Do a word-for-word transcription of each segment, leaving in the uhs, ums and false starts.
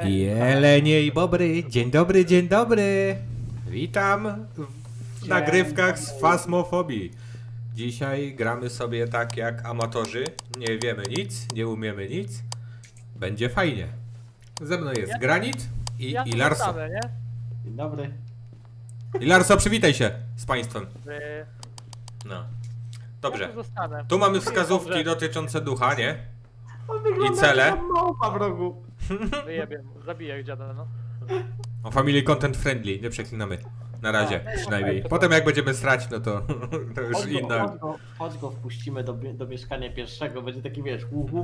Jelenie i bobry, dzień dobry, dzień dobry. Witam w Dzień nagrywkach z dobry. Fasmofobii. Dzisiaj gramy sobie tak jak amatorzy. Nie wiemy nic, nie umiemy nic. Będzie fajnie. Ze mną jest Ja- Granit i Ja tu Ilarso. zostanę, nie? Dzień dobry. Ilarso, przywitaj się z państwem. Wy... No. Ja Dobrze. tu zostanę. Tu mamy Mówię, wskazówki dobrze. dotyczące ducha, nie? On wygląda cele? jak małpa w rogu. Wyjebię, zabiję dziada, no. O family content friendly, nie przeklinamy. Na razie, No, przynajmniej. to- Potem jak będziemy srać, no to, to już Chodź go, inna. chodź, go, chodź go wpuścimy do, do mieszkania pierwszego, będzie taki wiesz, uhu.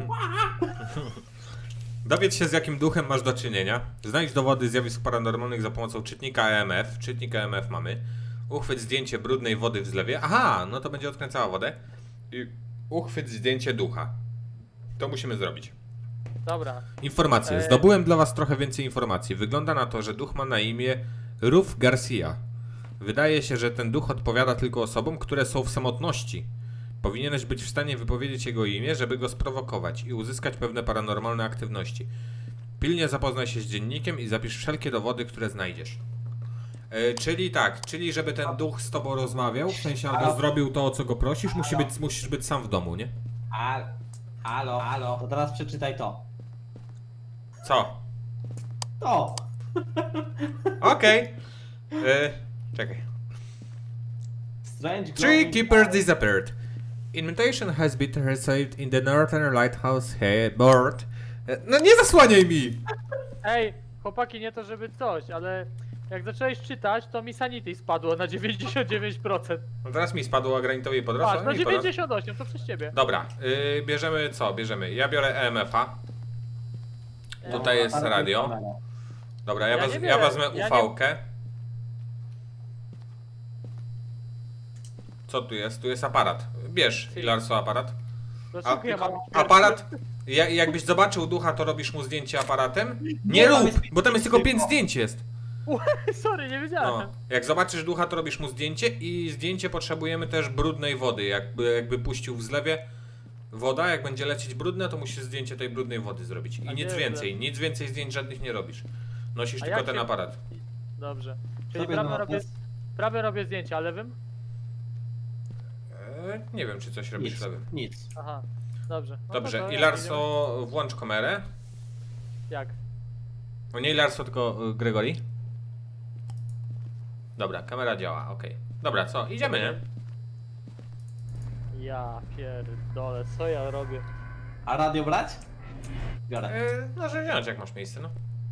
Dowiedz się, z jakim duchem masz do czynienia. Znajdź dowody zjawisk paranormalnych za pomocą czytnika E M F. Czytnik E M F mamy. Uchwyć zdjęcie brudnej wody w zlewie. Aha, no to będzie odkręcała wodę. I uchwyć zdjęcie ducha. To musimy zrobić. Dobra. Informacje. E- Zdobyłem dla was trochę więcej informacji. Wygląda na to, że duch ma na imię Ruf Garcia. Wydaje się, że ten duch odpowiada tylko osobom, które są w samotności. Powinieneś być w stanie wypowiedzieć jego imię, żeby go sprowokować i uzyskać pewne paranormalne aktywności. Pilnie zapoznaj się z dziennikiem i zapisz wszelkie dowody, które znajdziesz. E, czyli tak, czyli żeby ten duch z tobą rozmawiał, w sensie albo Halo? zrobił to, o co go prosisz, musi Halo? być, musisz być sam w domu, nie? Al, halo, halo. To teraz przeczytaj to. Co? To. Okej. E, Czekaj. Strange Three glowing keepers eyes. disappeared. Invitation has been received in the Northern Lighthouse board. E, No nie zasłaniaj mi! Ej, chłopaki, nie to żeby coś, ale jak zacząłeś czytać, to mi sanity spadło na dziewięćdziesiąt dziewięć procent. No teraz mi spadło, a Granitowi podrosło. Patrz, na mi podrosło. dziewięćdziesiąt osiem, to przez ciebie. Dobra, yy, bierzemy co? Bierzemy. Ja biorę E M F-a. Tutaj jest aparat radio. kamera. Dobra, ja, Ja wez, nie ja biorę, wezmę ja U V-kę. Co tu jest? Tu jest aparat. Bierz, Ilarso, aparat. Dlaczego ja mam... Aparat. Ja, jakbyś zobaczył ducha, to robisz mu zdjęcie aparatem? Nie tam rób, jest bo tam jest tylko tylko. pięć zdjęć jest. Sorry, nie wiedziałem. No, jak zobaczysz ducha, to robisz mu zdjęcie i zdjęcie potrzebujemy też brudnej wody. Jakby, jakby puścił w zlewie woda, jak będzie lecieć brudne, to musisz zdjęcie tej brudnej wody zrobić. I A nic gdzie więcej, zlew? nic więcej zdjęć żadnych nie robisz. Nosisz A tylko jak ten się- aparat. Dobrze. Czyli Sobie prawie na robię, nas. prawie robię zdjęcia, a lewym? Eee, nie wiem, czy coś robisz Nic, sobie. nic. Aha, dobrze. No to Dobrze, to jak Ilarso, włącz kamerę. jedziemy? Jak? O nie Ilarso, tylko y, Gregory. Dobra, kamera działa, okej. Dobra, co? Idziemy, nie? Ja pierdolę, co ja robię? A radio brać? Biorę. Eee, może wziąć, jak masz miejsce, no.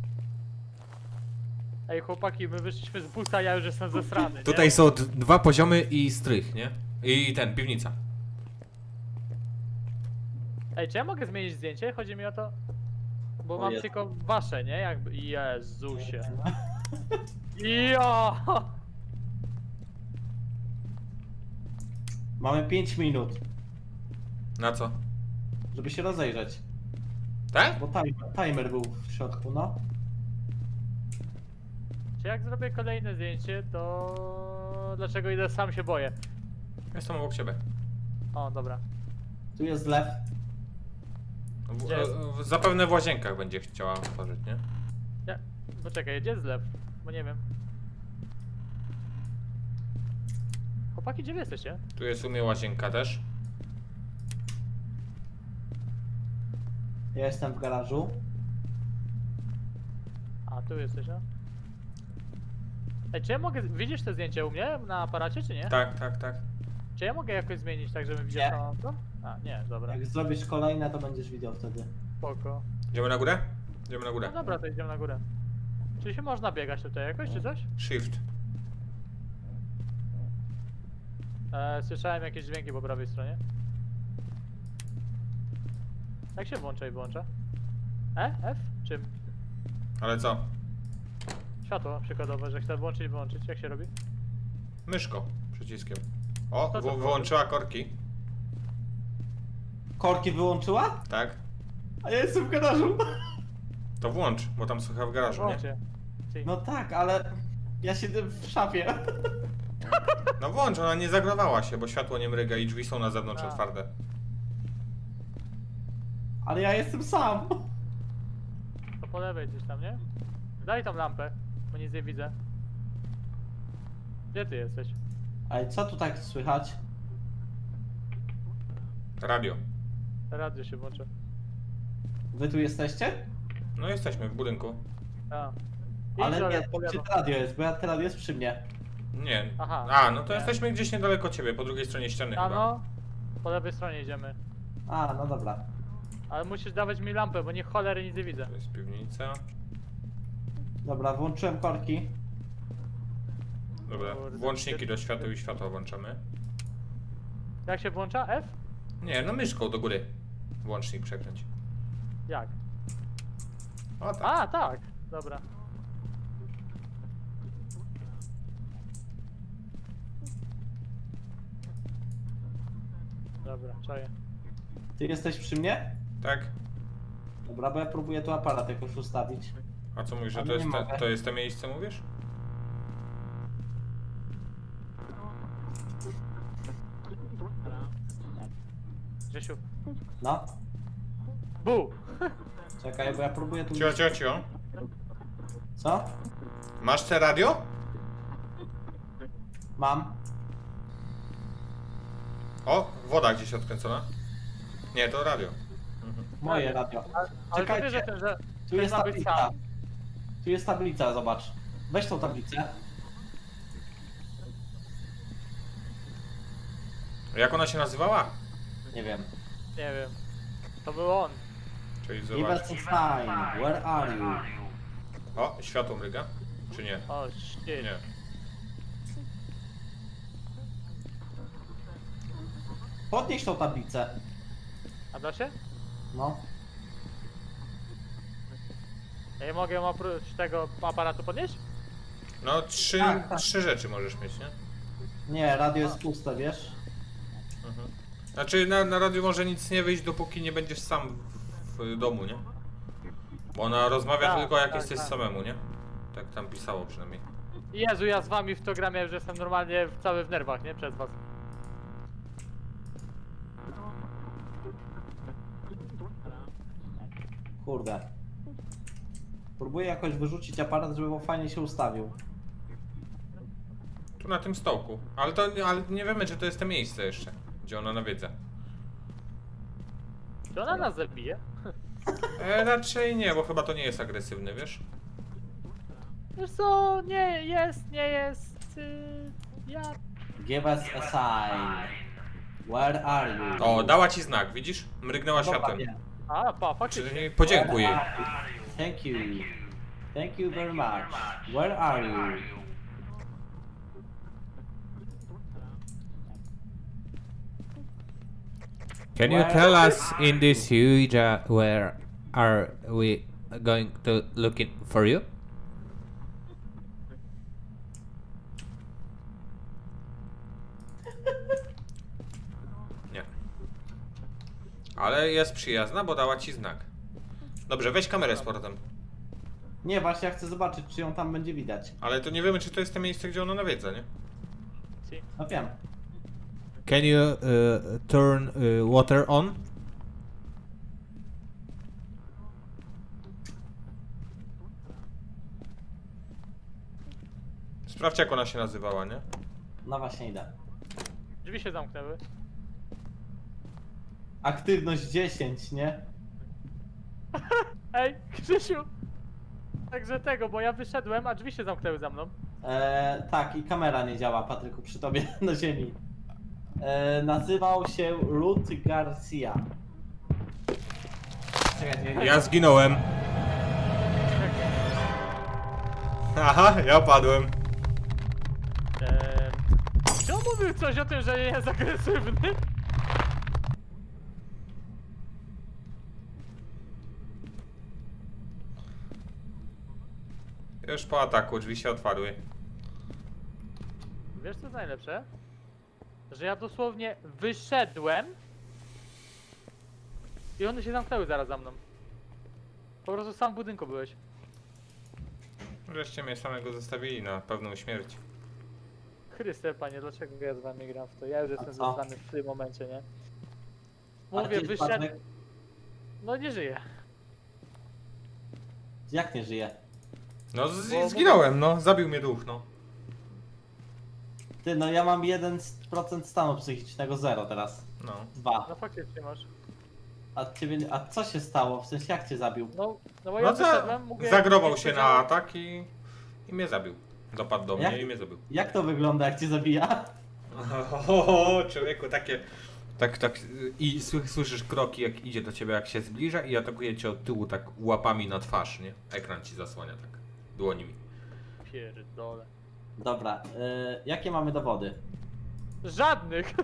Ej chłopaki, my wyszliśmy z busa, ja już jestem zesrany, nie? Tutaj są d- dwa poziomy i strych, nie? I ten, piwnica. Ej, czy ja mogę zmienić zdjęcie? Chodzi mi o to... Bo O mam Jezu. tylko wasze, nie? Jakby... Jezusie. Ja! Mamy pięć minut, Na co? żeby się rozejrzeć. Tak? Bo timer, timer był w środku, no. Czy jak zrobię kolejne zdjęcie, to... Dlaczego idę sam się boję? Jestem obok ciebie. O, dobra. Tu jest zlew. W, Gdzie jest? w, zapewne w łazienkach będzie chciała otworzyć, nie? Ja... Poczekaj, gdzie jest zlew? Bo nie wiem. Chłopaki, gdzie wy jesteście? Tu jest u mnie łazienka też. Ja jestem w garażu. A, tu jesteś, no? Ej, czy ja mogę... Widzisz te zdjęcie u mnie na aparacie, czy nie? Tak, tak, tak. Czy ja mogę jakoś zmienić tak, żebym widział Nie. całą to? A, nie, dobra. Jak zrobisz kolejne, to będziesz widział wtedy. Spoko. Idziemy na górę? Idziemy na No górę. dobra, to idziemy na górę. Czy się można biegać tutaj jakoś, czy coś? Shift. E, słyszałem jakieś dźwięki po prawej stronie. Jak się włącza i wyłącza? E? F? Czym? Ale co? Światło przykładowe, że chcę włączyć i wyłączyć. Jak się robi? Myszko. Przyciskiem. O, To co w, było? wyłączyła korki. Korki wyłączyła? Tak. A ja jestem w garażu. To włącz, bo tam słucha w garażu, nie? Włączcie. Ty. No tak, ale ja siedzę w szafie. No włącz, ona nie zagrowała się, bo światło nie mryga i drzwi są na zewnątrz A. otwarte. Ale ja jestem sam. To po lewej gdzieś tam, nie? Daj tą lampę, bo nic nie widzę. Gdzie ty jesteś? Ale co tu tak słychać? Radio. Radio się włączy. Wy tu jesteście? No jesteśmy w budynku. A. Ale Idź, nie, po gdzie lewo. to radio jest, bo ja to radio jest przy mnie. Nie. Aha. A, no to Nie. jesteśmy gdzieś niedaleko ciebie, po drugiej stronie ściany A chyba. no, po lewej stronie idziemy. A, no dobra. Ale musisz dawać mi lampę, bo nie cholery nic nie widzę. To jest piwnica. Dobra, włączyłem korki. Dobra, Kurde, włączniki do światła i światła włączamy. Jak się włącza? F? Nie, no myszką do góry. Włącznik przekręć. Jak? O tak. A, tak. Dobra. Dobra, czaję. Ty jesteś przy mnie? Tak? Dobra, bo ja próbuję tu aparat jakoś ustawić. A co mówisz, że Ale to jest, nie te, mogę. to jest to miejsce, mówisz? Grzesiu. No, Bu! czekaj, bo ja próbuję tu... Cio, cio, cio. Co? Masz te radio? Mam. O, woda gdzieś odkręcona. Nie, to radio. Mhm. Moje radio. Ale to Czekajcie. wiesz, że ten, że Tu ten jest ma być tablica. sam. Tu jest tablica, zobacz. Weź tą tablicę. Jak ona się nazywała? Nie wiem. Nie wiem. To był on. Czyli Give zobacz. us a sign. Where are you? O, światło mryga? Czy nie? O, shit. Nie. Podnieś tą tablicę. A da się? No. Ja nie mogę ją oprócz tego aparatu podnieść? No, trzy, Tak, tak. trzy rzeczy możesz mieć, nie? Nie, radio jest puste, wiesz? Mhm. Znaczy na, na radiu może nic nie wyjść, dopóki nie będziesz sam w, w domu, nie? Bo ona rozmawia Tak, tylko jak tak, jesteś tak. samemu, nie? Tak tam pisało przynajmniej. Jezu, ja z wami w to gram, ja już jestem normalnie cały w nerwach, nie? Przez was. Kurde. Próbuję jakoś wyrzucić aparat, żeby on fajnie się ustawił. Tu na tym stołku. Ale to ale nie wiemy, czy to jest to miejsce jeszcze, gdzie ona nawiedza. Czy ona nas zabije? E, raczej nie, bo chyba to nie jest agresywny, wiesz? Wiesz co, nie jest, nie jest... Yy, ja... Give us a sign. Where are you? O, dała ci znak, widzisz? Mrygnęła Dobra, światłem. nie. A, pa, faktycznie. Czyli podziękuj jej. Thank you. Thank you very much. Where are you? Can you Where- tell us in this huge uh, where are we going to looking for you? Nie. Ale jest przyjazna, bo dała ci znak. Dobrze, weź kamerę z portem. Nie, właśnie ja chcę zobaczyć, czy ją tam będzie widać. Ale to nie wiemy, czy to jest to miejsce, gdzie ona nawiedza, nie? Si. No wiem. Can you uh, turn uh, water on? Sprawdź, jak ona się nazywała, nie? No właśnie idę. Drzwi się zamknęły. Aktywność dziesięć, nie? Ej, Krzysiu! Także tego, bo ja wyszedłem, a drzwi się zamknęły za mną. E, tak, i kamera nie działa, Patryku, przy tobie na ziemi. E, nazywał się Ruth Garcia. Czekaj, nie, nie. Ja zginąłem. Aha, ja padłem. Eee, czy on mówił coś o tym, że nie jest agresywny? Już po ataku, drzwi się otwarły. Wiesz co jest najlepsze? Że ja dosłownie wyszedłem i one się zamknęły zaraz za mną. Po prostu sam w budynku byłeś. Wreszcie mnie samego zostawili na pewną śmierć. Chryste, panie, dlaczego ja z wami gram w to? Ja już jestem co? zostany w tym momencie, nie? A Mówię, gdzie jest wyszedł... Patryk? No nie żyję. Jak nie żyje? No z- Bo- zginąłem, no. Zabił mnie duch, no. Ty, no ja mam jeden procent stanu psychicznego, zero teraz. No. Dwa. No faktycznie masz. A ciebie, a co się stało? W sensie jak cię zabił? No, no bo ja No za, wyszedłem, mówię... zagrował nie się na powiedziałem- atak i, i mnie zabił. Dopadł do mnie Jak? i mnie zabił. Jak to wygląda, jak cię zabija? O, człowieku, takie... Tak, tak, i sły- słyszysz kroki, jak idzie do ciebie, jak się zbliża i atakuje cię od tyłu tak łapami na twarz, nie? Ekran ci zasłania tak, dłonimi. Pierdole. Dobra, y, jakie mamy dowody? Żadnych!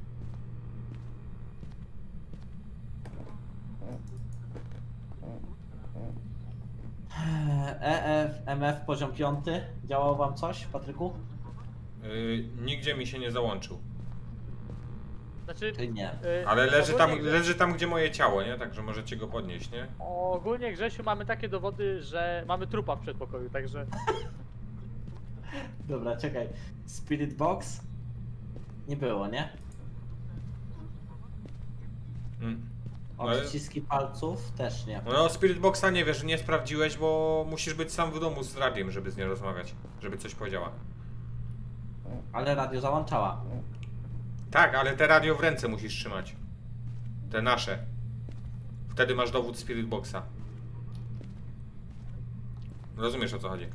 E F, M F poziom piąty. Działało wam coś, Patryku? Yy, nigdzie mi się nie załączył. Znaczy... Czy nie? y, Ale leży tam, ogólnie- leży tam, gdzie moje ciało, nie? Także możecie go podnieść, nie? Ogólnie, Grzesiu, mamy takie dowody, że mamy trupa w przedpokoju, także... Dobra, czekaj. Spirit Box? Nie było, nie? Mm. Ale- Odciski palców? Też nie. No Spirit Boxa nie wiesz, nie sprawdziłeś, bo musisz być sam w domu z radiem, żeby z nią rozmawiać. Żeby coś powiedziała. Ale radio załączała. Tak, ale te radio w ręce musisz trzymać. Te nasze. Wtedy masz dowód Spirit Boxa. Rozumiesz, o co chodzi?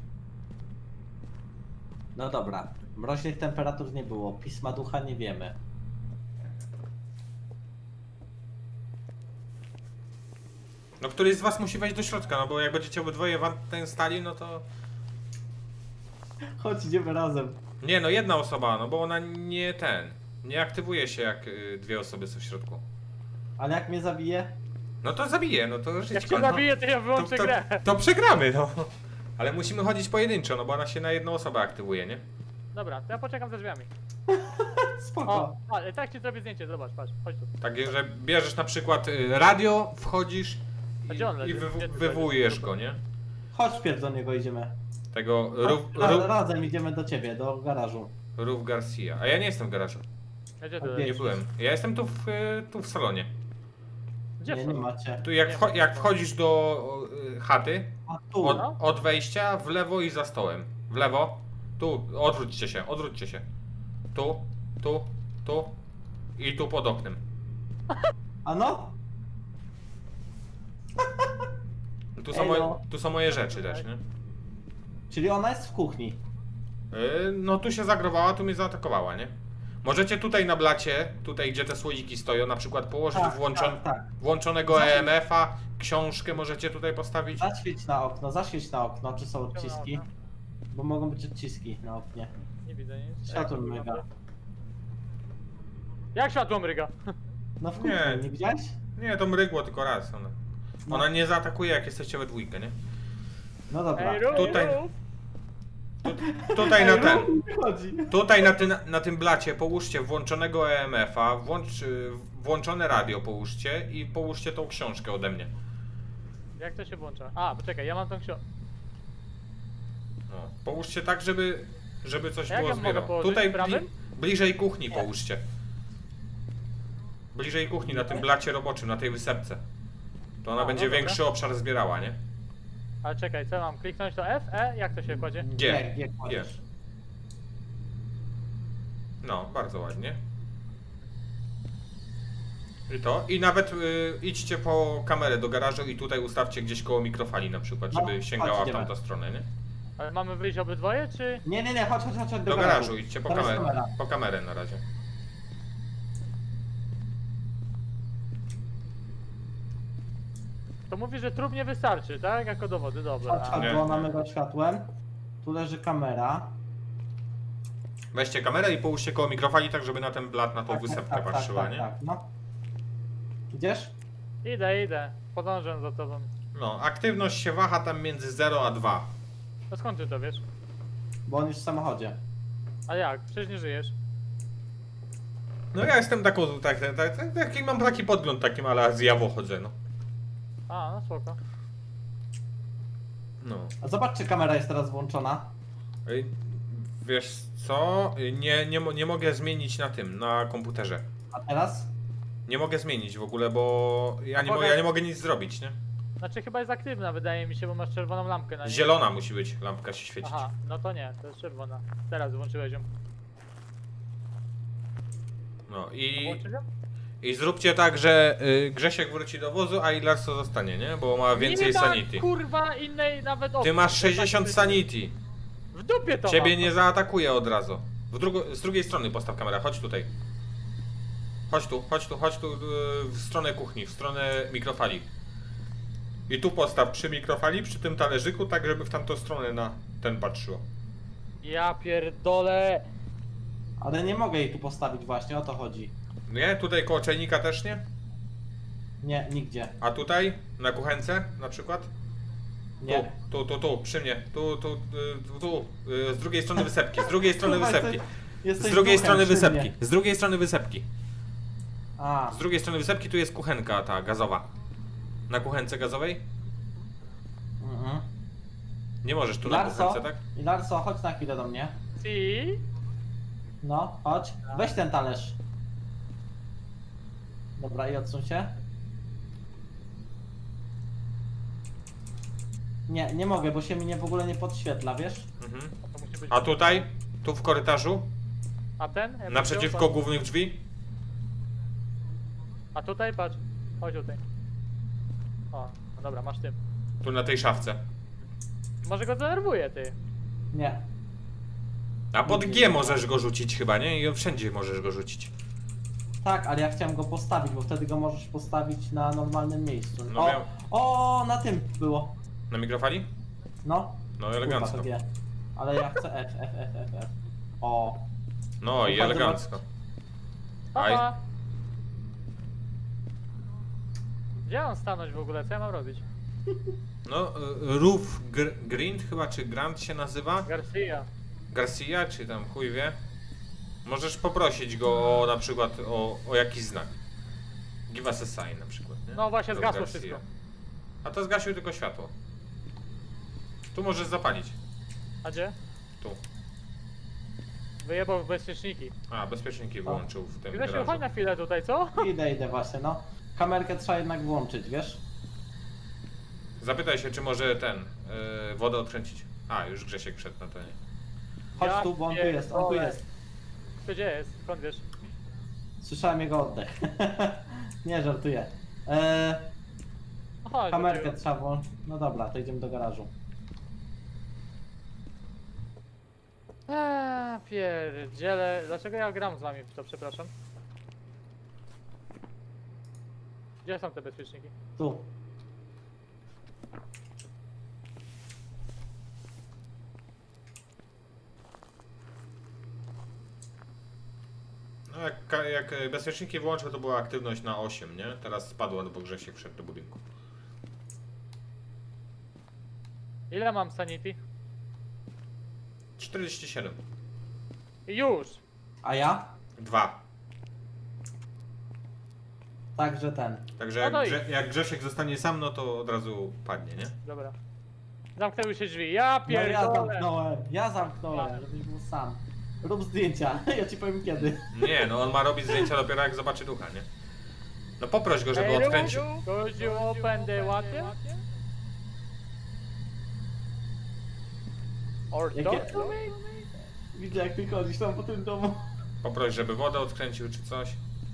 No dobra. Mroźnych temperatur nie było. Pisma ducha nie wiemy. No któryś z was musi wejść do środka, no bo jak będziecie obydwoje w ten stali, no to... Chodź, idziemy razem. Nie, no jedna osoba, no bo ona nie ten... Nie aktywuje się jak y, dwie osoby są w środku. Ale jak mnie zabije? No to zabije, no to Jak żyćko, cię no. zabiję, to ja to, wyłączę to, grę. to przegramy, no. Ale musimy chodzić pojedynczo, no bo ona się na jedną osobę aktywuje, nie? Dobra, to ja poczekam za drzwiami. Spoko. O, ale tak ci zrobię zdjęcie, zobacz, patrz, chodź tu. Tak, że bierzesz na przykład y, radio, wchodzisz A i, gdzie on i leży? wywo- Gdzie ty wywołujesz leżysz? go, nie? Chodź pierw do niego idziemy. Tego Ruf, Ra- Ruf, razem idziemy do ciebie, do garażu. Ruf Garcia. A ja nie jestem w garażu. A gdzie ty A leżysz? Nie Jezus. byłem. Ja jestem tu w, y, tu w salonie. Gdzie Nie, są? nie macie. Tu jak, Nie wcho- ma. jak wchodzisz do y, chaty, A tu. od, No. od wejścia w lewo i za stołem. W lewo. Tu, odwróćcie się, odwróćcie się. Tu, tu, tu i tu pod oknem. A no? Tu są, Ej, moje, no. tu są moje rzeczy też, nie? Czyli ona jest w kuchni. Yy, no tu się zagrowała, tu mnie zaatakowała, nie? Możecie tutaj na blacie, tutaj gdzie te słoiki stoją, na przykład położyć Tak, włączon, tak, tak. włączonego Zaświeć- E M F-a, książkę możecie tutaj postawić. Zaświeć na okno, zaświeć na okno, czy są Czemu na odciski. okno? Bo mogą być odciski na oknie. Nie widzę nic. Światło Jak to mryga. wygląda? Jak światło mryga? No w kuchni, Nie. nie, widziałeś? Nie, to mrygło tylko raz. Ona, No. ona nie zaatakuje jak jesteście we dwójkę, nie? No dobra. Ej, rób, Tutaj- rób. Tutaj na Ej, ten, Rób, chodzi. tutaj na, ty, na tym blacie połóżcie włączonego E M F-a, włącz, y, włączone radio połóżcie i połóżcie tą książkę ode mnie. Jak to się włącza? A, poczekaj, ja mam tą książkę. No, połóżcie tak, żeby, żeby coś A jak było ja mogę zbierało. położyć? Tutaj Prawym? bli, bliżej kuchni Nie. połóżcie. Bliżej kuchni, na tym blacie roboczym, na tej wysepce. To ona A, będzie no dobra. większy obszar zbierała, nie? Ale czekaj, co mam? Kliknąć to F, E? Jak to się kładzie? Gdzie? Nie, nie kładziesz. Gdzie? No, bardzo ładnie. I to. I nawet y, idźcie po kamerę do garażu i tutaj ustawcie gdzieś koło mikrofali na przykład, No, żeby sięgała chodź, w tamtą idziemy. stronę, nie? Ale mamy wyjść obydwoje, czy... Nie, nie, nie, chodź, chodź, chodź, chodź do, Do garażu idźcie po Tam jest kamerę. kamera. Po kamerę na razie. To mówi, że trup nie wystarczy, tak? Jako dowody, dobra. Chodź, chodź, Nie, bo ona nie. myga światłem. Tu leży kamera. Weźcie kamerę i połóżcie koło mikrofali tak, żeby na ten blat, na tą wysepkę patrzyła, tak, nie? tak, no. Idziesz? Idę, idę. Podążam za tobą. No, aktywność się waha tam między zero a dwa. No skąd ty to wiesz? Bo on już w samochodzie. A jak? Przecież nie żyjesz. No ja jestem taką, tak, tak, tak, tak, taki, mam taki podgląd takim, ale zjawo chodzę, no. A, no spoko. No. A zobacz, czy kamera jest teraz włączona. Ej, wiesz co? Nie, nie, mo- nie mogę zmienić na tym, na komputerze. A teraz? Nie mogę zmienić w ogóle, bo ja nie, mo- Mogę- ja nie mogę nic zrobić, nie? Znaczy chyba jest aktywna, wydaje mi się, bo masz czerwoną lampkę na niej. Zielona musi być, lampka się świecić. Aha, no to nie, to jest czerwona. Teraz włączyłeś ją. No i, Włączysz ją? i zróbcie tak, że y, Grzesiek wróci do wozu, a Ilarso zostanie, nie? Bo ma więcej nie sanity. Ma, kurwa, innej nawet opcji. Ty masz To sześćdziesiąt tak- sanity. W dupie to Ciebie mam. nie zaatakuje od razu. W drugo, z drugiej strony postaw kamerę, chodź tutaj. Chodź tu, chodź tu, chodź tu yy, w stronę kuchni, w stronę mikrofali. I tu postaw przy mikrofali, przy tym talerzyku, tak żeby w tamtą stronę na ten patrzyło. Ja pierdolę. Ale nie mogę jej tu postawić właśnie, o to chodzi. Nie? Tutaj koło czajnika też nie? Nie, nigdzie. A tutaj? Na kuchence na przykład? Nie. Tu, tu, tu, tu, przy mnie. Tu, tu, y, tu, tu. y, Z drugiej strony wysepki, z drugiej strony Kurwa, wysepki. jesteś- jesteś Z drugiej duchem strony przy wysepki, mnie. z drugiej strony wysepki. A, Z drugiej strony wysepki tu jest kuchenka ta gazowa. Na kuchence gazowej? mhm. Nie możesz tu na Larso, kuchence, tak? i Larso, chodź na chwilę do mnie. Si? No, chodź. Weź ten talerz. Dobra, i odsuń się. Nie, nie mogę, bo się mi nie w ogóle nie podświetla, wiesz? Mhm. To musi być... A tutaj? Tu w korytarzu? A ten? Jakby Naprzeciwko wziął, głównych drzwi? patrz. A tutaj patrz. Chodź tutaj. O, no dobra, masz tym. Tu na tej szafce. Może go denerwuje, ty. Nie. A pod G możesz go rzucić chyba, nie? I wszędzie możesz go rzucić. Tak, ale ja chciałem go postawić, bo wtedy go możesz postawić na normalnym miejscu. No o, miał- o, na tym było. Na mikrofali? No. No Kurwa, elegancko. to wie. Ale ja chcę F, F, F, F, F. O. No i Bardzo elegancko. Aj. Papa. Gdzie mam stanąć w ogóle? Co ja mam robić? No, y, Roof Gr Grind chyba, czy Grant się nazywa? Garcia. Garcia, czy tam chuj wie. Możesz poprosić go o na przykład o, o jakiś znak. Give us a sign na przykład, nie? No właśnie, Roof zgasło Garcia. wszystko. A to zgasił tylko światło. Tu możesz zapalić. A gdzie? Tu. Wyjebał w bezpieczniki. A, bezpieczniki wyłączył w tym Grzesiu, garażu. chodź na chwilę tutaj, co? Idę, idę właśnie, no. Kamerkę trzeba jednak włączyć, wiesz? Zapytaj się, czy może ten, yy, wodę odkręcić. A, już Grzesiek wszedł na to, nie? Chodź Ja tu, bo on tu jest, on tu pierdolę. jest. Gdzie jest? Skąd wiesz? Słyszałem jego oddech. Nie, żartuję. Eee, No chodź, kamerkę wróciłem. trzeba włączyć. No dobra, to idziemy do garażu. Eee, pierdziele. Dlaczego ja gram z wami w to, przepraszam? Gdzie są te bezpieczniki? Tu. No jak, ka- jak bezpieczniki włączę, to była aktywność na osiem, nie? Teraz spadła, bo Grzesiek wszedł do budynku. Ile mam sanity? czterdzieści siedem. Już! A ja? dwa. Także ten. Także No jak, to Grze- jak Grzesiek zostanie sam, no to od razu padnie, nie? Dobra. Zamknęły się drzwi. Ja No ja pierdolę! zamknąłem, ja zamknąłem, żebyś był sam. Rób zdjęcia, ja ci powiem kiedy. Nie, no on ma robić zdjęcia dopiero jak zobaczy ducha, nie? No poproś go, żeby Hey, odkręcił. Could you open the water? Or Jakie- talk to me? Widzę jak ty chodzisz tam po tym domu. Poproś, żeby wodę odkręcił czy coś.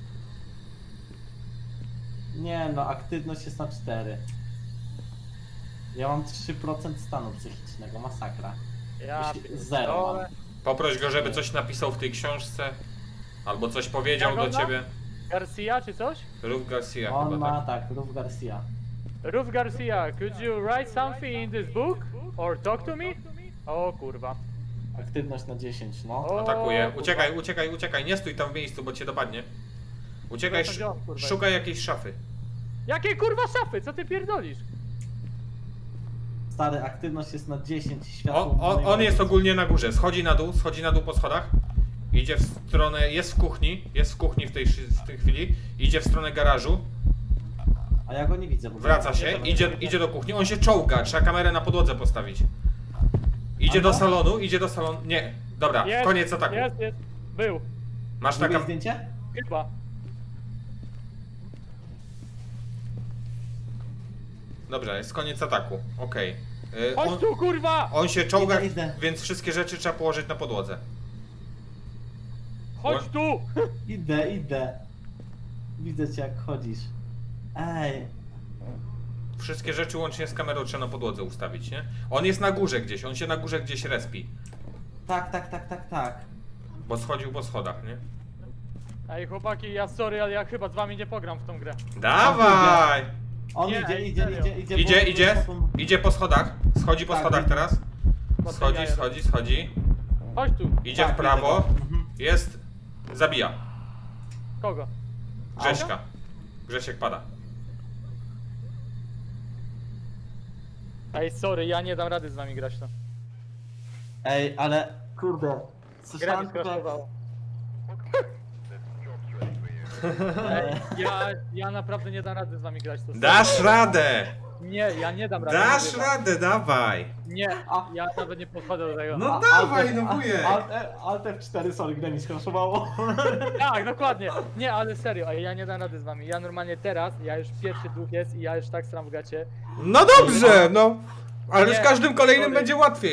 Nie no, aktywność jest na cztery. Ja mam trzy procent stanu psychicznego, masakra. Ja Jeśli- pierdolę. zero mam. Poproś go, żeby coś napisał w tej książce. Albo coś powiedział Jak do on ma? ciebie. Garcia czy coś? Ruf Garcia On chyba, ma tak. tak, Ruf Garcia. Ruf Garcia, could you write something in this book? Or talk to me? O kurwa. Aktywność na dziesięć, no. O, Atakuje. kurwa. Uciekaj, uciekaj, uciekaj. Nie stój tam w miejscu, bo cię dopadnie. Uciekaj, Przepraszam, sz gdzie on, kurwa, szukaj jakiejś szafy. Jakie kurwa szafy? Co ty pierdolisz? Stary, aktywność jest na dziesięć, światło. O, o, on jest ogólnie na górze. Schodzi na dół, schodzi na dół po schodach. Idzie w stronę, jest w kuchni, jest w kuchni w tej, szy- w tej chwili. Idzie w stronę garażu. A ja go nie widzę. Bo Wraca się, idzie, idzie do kuchni. On się czołga, trzeba kamerę na podłodze postawić. Idzie A do no? salonu, idzie do salonu. Nie, dobra, Jest, koniec ataku. Jest, jest. Był. Masz Drugie taka. zdjęcie? Chyba. Dobra, jest koniec ataku. Okej. Y, Chodź On, tu, kurwa! on się czołga, Idę, idę. więc wszystkie rzeczy trzeba położyć na podłodze. Chodź tu! Idę, idę. Widzę cię jak chodzisz. Ej, Wszystkie rzeczy łącznie z kamerą trzeba na podłodze ustawić, nie? On jest na górze gdzieś, on się na górze gdzieś respi. tak, tak, tak, tak, tak. Bo schodził po schodach, nie? Ej, chłopaki, ja sorry, ale ja chyba z wami nie pogram w tą grę. Dawaj! On Nie, idzie, ej, idzie, serio. idzie, idzie. Idzie, bo- idzie, bo- idzie po schodach. Schodzi po Tak, schodach widzę. teraz. Po Schodzi, tej jaja. schodzi, schodzi. Chodź tu. Idzie Tak, w prawo. widzę go. Mhm. Jest. Zabija. Kogo? Grześka. Grzesiek pada. Ej, sorry, ja nie dam rady z wami grać to. Ej, ale kurde. Gra Słyszałem mi tylko jak... skraszowało. Ej, ja, ja naprawdę nie dam rady z wami grać to. Dasz radę! Nie, ja nie dam rady. Dasz mówię wam. radę, dawaj! Nie, A- ja nawet nie podchodzę do tego. No A- dawaj, Alt- no wujek! Alt, Alt F cztery, sorry, grę mi skraszowało. Tak, dokładnie. Nie, ale serio, ej, ja nie dam rady z wami. Ja normalnie teraz, ja już pierwszy duch jest i ja już tak stram w gacie. No dobrze, no! Ale z Nie, każdym kolejnym sorry. będzie łatwiej.